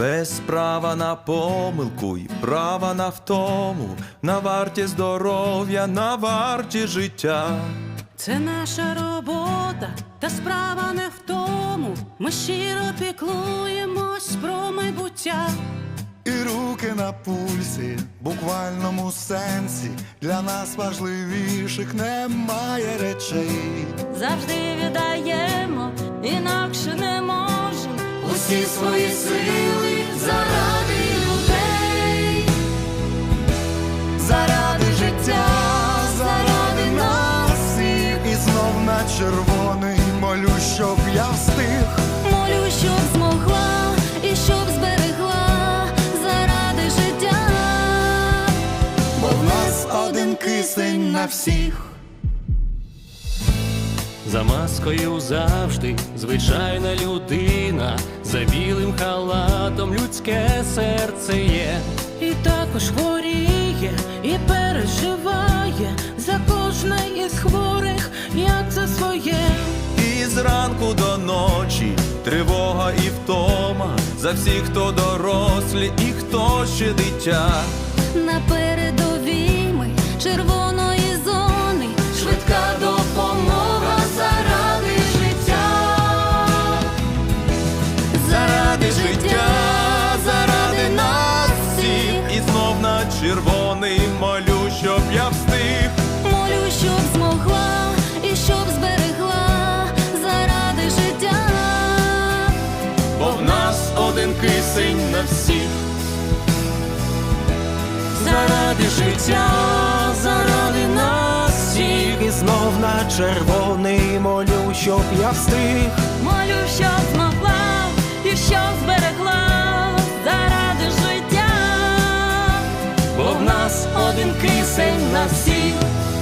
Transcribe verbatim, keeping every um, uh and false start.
без права на помилку і права на втому, на варті здоров'я, на варті життя. Це наша робота, та справа не в тому. Ми щиро піклуємось про майбуття. І руки на пульсі, в буквальному сенсі, для нас важливіших немає речей. Завжди віддаємо, інакше не можем, усі свої сили заради людей. Заради життя, заради нас всіх. І знов на червоний молю, щоб я встиг. Молю, щоб змогла і щоб зберегла заради життя. Бо в нас один кисень на всіх. За маскою завжди звичайна людина, за білим халатом людське серце є. І також хворіє, і переживає за кожне із хворих, як за своє. І зранку до ночі тривога і втома, за всіх, хто дорослі і хто ще дитя. На передовій ми червоної зони, швидка допомога заради життя. Заради життя, заради нас всіх. І знов на червоний молю, щоб я встиг. Молю, щоб змогла і щоб зберегла заради життя. Бо в нас один кисень на всіх. Заради життя, заради нас всіх. І знов на червоний молю, щоб я встиг. Молю, щоб змогла і щоб зберегла заради життя. Бо в нас один кисень на всіх.